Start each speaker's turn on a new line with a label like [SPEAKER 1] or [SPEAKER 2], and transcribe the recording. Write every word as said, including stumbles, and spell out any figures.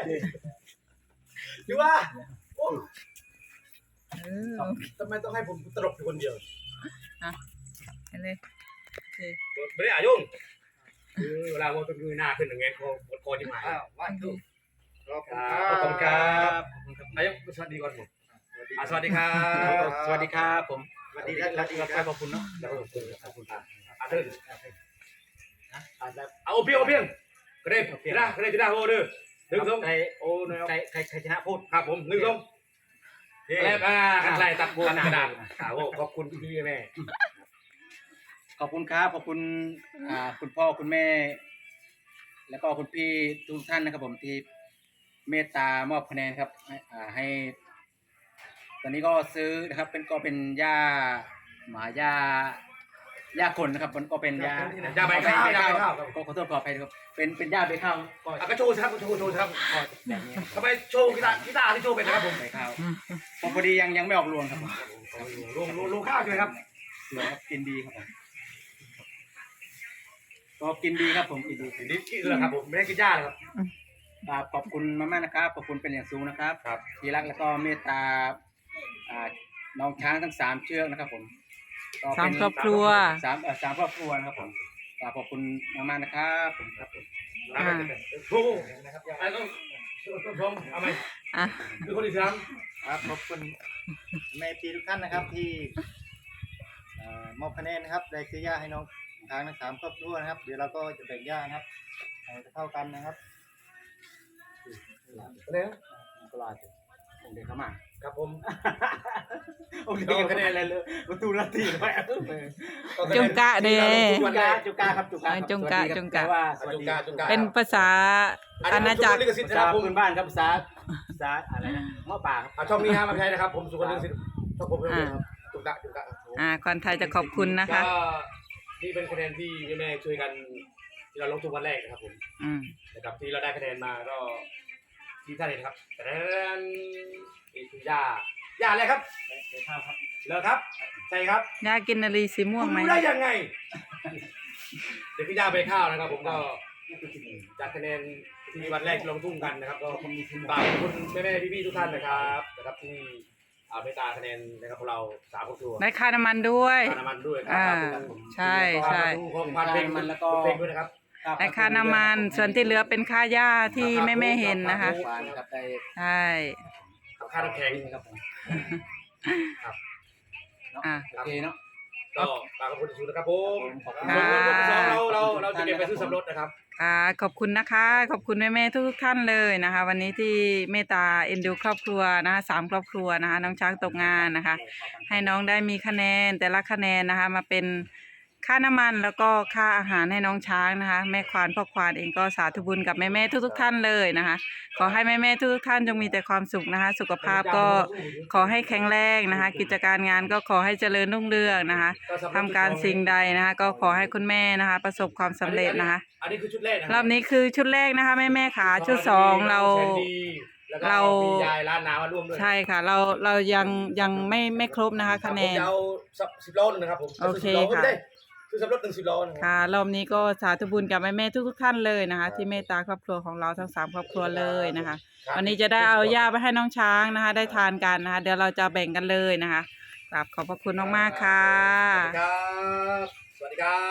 [SPEAKER 1] หรือว่าโอ้
[SPEAKER 2] เออ
[SPEAKER 1] ทำไมต้องให้ผมตลกอยู่คนเดียว
[SPEAKER 2] อ่ะไปเลยโอเค
[SPEAKER 1] ไม่ได้อายุ่งคือเวลาว่าเป็นมือหน้าขึ้นอย่างเงี้ยเขาปวดคอที่หมายว่าถูกขอบคุณครับอายุสวัสดีก่อนผมสวัสดีครับสวัสดีครับผมสวัสดีครับสวัสดีครับขอบคุณเนาะขอบคุณขอบคุณอาเทิร์นเอาเพียงเอาเพียงกระเด็นกระด้ากระเด็นกระด้าโอ้เด้อหนึ่งสองใครโอ้ใครใครใครชนะพูดครับผมหนึ่งสองแล้วอ่าใครตัดบัวกระดานโอ้ขอบคุณพี่แม่
[SPEAKER 3] ขอบคุณครับขอบคุณอ่าคุณพ่อคุณแม่ แล้วก็คุณพี่ทุกท่านนะครับผมที่เมตตามอบคะแนนครับอ่าให้ตอนนี้ก็ซื้อนะครับเป็นก็เป็นหญ้าหมาหญ้าหญ้าคนนะครับมันก็เป็นหญ้า
[SPEAKER 1] หญ้าใบข้าวหญ้าใบข้าว
[SPEAKER 3] ก็ขอโทษขออภัยครับเป็นเป็นหญ้าใบข้าวก็
[SPEAKER 1] ก็โชว์ครับโชว์โชว์ครับแบบนี้ทำไมโชว์กีตาร์กีตาร์ที่โชว์เป็นนะครับผม
[SPEAKER 3] ใบข้าวพอดียังยังไม่ออกรวงครับผม
[SPEAKER 1] รวงรวงข้าวใช่ไหมครับ
[SPEAKER 3] รวงครับกินดีครับผมก็กินดีครับผมกินดี
[SPEAKER 1] กินดีกินเลยครับผมไม่ได้กินหญ้าเลยครับ
[SPEAKER 3] ขอบคุณมากๆนะครับขอบคุณเป็นอย่างสูงนะครับที่รักแล้วก็เมตตาน้องช้างทั้งสามเชือกนะครับผม
[SPEAKER 2] สามครอบครัว
[SPEAKER 3] สามสามครอบครัวนะครับผมขอบคุณมากๆนะครับผมครับผม
[SPEAKER 1] โอ้โหนะครับไอ้ต้องต้องพร้อมเอาไหม
[SPEAKER 2] อ่ะ
[SPEAKER 1] คือคนที่สาม
[SPEAKER 3] ครับขอบคุณแม่ปีทุกท่านนะครับที่มอบคะแนนนะครับได้ซื้อหญ้าให้น้องทางทั้งสามครอบครัวนะครับเดี๋ยวเราก็จะแบ่งหญ้านะครับจะเท่ากันนะครับ
[SPEAKER 1] แล้ว
[SPEAKER 3] ก็ลาจะเด็กเข้ามา
[SPEAKER 1] ครับผม
[SPEAKER 3] โอเคคะแนนอะไรเลยประตูละทีไป
[SPEAKER 2] จุงกะเด้
[SPEAKER 3] จุงกะจุงกะครับจุงกะ
[SPEAKER 2] จุงกะจุงกะ
[SPEAKER 1] ว่าจุงกะจุงกะ
[SPEAKER 2] เป็นภาษาอาณาจักร
[SPEAKER 3] ภาษาพื้นบ้านครับภาษาภาษาอะไรนะหม้อป่า
[SPEAKER 1] ครับช่องนี้ห้ามมาใช้นะครับผมสุขลินทร์สิทธิ์ช่องผมเลยครับจุงกะจุงกะ
[SPEAKER 2] อ่าคนไทยจะขอบคุณนะคะ
[SPEAKER 1] นี่เป็นคะแนนที่แม่ช่วยกันที่เราลงทุนวันแรกนะครับผมนะครับที่เราได้คะแนนมาก็ที่ท่านเห็นครับแต่นั้นนี่คือย่าย่าอะไรครับ
[SPEAKER 3] ข้าวครับ
[SPEAKER 1] เหรอครับใช่ครับ
[SPEAKER 2] ย่ากินนาลีสีม่วงไหม
[SPEAKER 1] รู้ได้ยังไงเดี๋ยวพี่ย่าไปข้าวนะครับผมก็จากคะแนนที่วันแรกลงทุ่งกันนะครับก็ขอบคุณแม่แม่พี่พี่ทุกท่านนะครับนะครับที่เอาเมตตาคะแนนนะครับของเราสามครอบครัว
[SPEAKER 2] ได้ค่าน้ำมันด้วย
[SPEAKER 1] ค่าน้ำมันด้วย
[SPEAKER 2] อ่าใช่ใช่
[SPEAKER 1] ค่าเพลงมันแล้วก็เพลงด้วยนะครับ
[SPEAKER 2] ได้ค่าน้ำมันส่วนที่เหลือเป็นค่าหญ้าที่แม่แม่เห็นนะคะใช่
[SPEAKER 1] ค่าน้ำแข็งครับ
[SPEAKER 3] ครับอ่าโอเคเนาะ
[SPEAKER 1] ก็ฝากขอบคุณสุดนะครับผมส่วนวันที่สองเราเราเราจะเก็บไปซื้อสำรสนะครับ
[SPEAKER 2] ค่ะขอบคุณนะคะขอบคุณแม่แม่ทุกท่านเลยนะคะวันนี้ที่เมตตาเอ็นดูครอบครัวนะคะสามครอบครัวนะคะน้องช้างตกงานนะคะให้น้องได้มีคะแนนแต่ละคะแนนนะคะมาเป็นค่าน้ำมันแล้วก็ค่าอาหารให้น้องช้างนะคะแม่ควานพ่อควานเองก็สาธุบุญกับแม่แม่ทุกๆท่านเลยนะคะขอให้แม่แม่ทุกๆท่านจงมีแต่ความสุขนะคะสุขภาพก็ขอให้แข็งแรงนะคะกิจการงานก็ขอให้เจริญรุ่งเรืองนะคะทำการสิ่งใดนะคะก็ขอให้คุณแม่นะคะประสบความสำเร็จนะคะ
[SPEAKER 1] อันนี้คือชุดแรก
[SPEAKER 2] รอบนี้คือชุดแรกนะคะแม่แม่ขาชุดสองเราเรา
[SPEAKER 1] ยายร้านน้ำมาร่วมด้วย
[SPEAKER 2] ใช่ค่ะเราเรายังยังไม่ไม่ครบนะคะคะแนน
[SPEAKER 1] ผมจะเอาสิบโลนึงนะครับผม
[SPEAKER 2] โอเคค่ะ
[SPEAKER 1] คือสำรถหนึ่งสิบล้อ
[SPEAKER 2] ค่ะรอบนี้ก็สาธุบุญกับแม่แม่ทุกทุกท่านเลยนะคะที่เมตตาครอบครัวของเราทั้งสามครอบครัวเลยนะคะวันนี้จะได้เอาหญ้าไปให้น้องช้างนะคะได้ทานกันนะคะเดี๋ยวเราจะแบ่งกันเลยนะคะกราบขอบพระคุณมากๆค่ะ
[SPEAKER 1] สวัสดีครับสวัสดีครับ